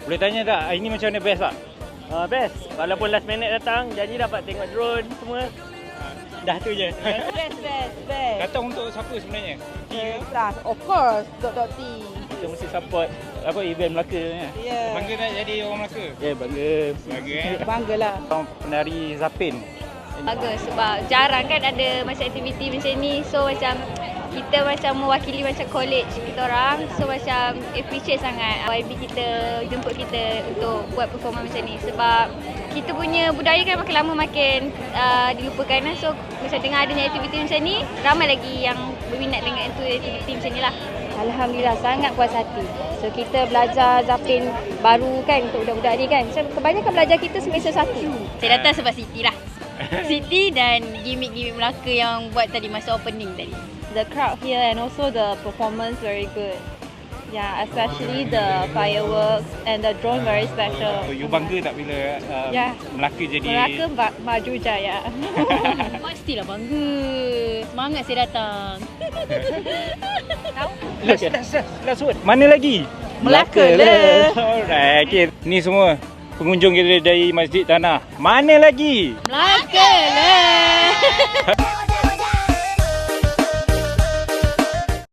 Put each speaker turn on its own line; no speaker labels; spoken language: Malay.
Boleh tanya tak, hari ni macam mana, best tak?
Best. Walaupun last minute datang, janji dapat tengok drone semua. Dah tu je.
Best.
Kata untuk siapa sebenarnya?
Plus, of course, Dr. T.
Kita mesti support event Melaka ni.
Yeah.
Bangga tak jadi orang Melaka?
Ya, bangga.
Bangga
Banggalah.
Orang penari Zapin.
Bagus sebab jarang kan ada macam aktiviti macam ni. So macam kita macam mewakili macam college kita orang. So macam appreciate sangat YB kita jemput kita untuk buat performance macam ni. Sebab kita punya budaya kan makin lama makin dilupakan. So macam dengan adanya aktiviti macam ni, ramai lagi yang berminat dengan aktiviti macam ni lah.
Alhamdulillah, sangat puas hati. So kita belajar Zapin baru kan untuk budak-budak ni kan. So kebanyakan belajar kita semester 1.
Saya datang sebab Siti lah. Siti dan gimmick-gimmick Melaka yang buat tadi masa opening tadi.
The crowd here and also the performance very good. Yeah, especially the fireworks and the drone very special.
So, you bangga tak bila
Ya.
Melaka jadi...
Melaka maju jaya.
Pastilah bangga. Semangat saya datang.
Last word. Mana lagi?
Melaka lah.
Alright, okay. Ni semua pengunjung kita dari Masjid Tanah. Mana lagi?
Melaka lah.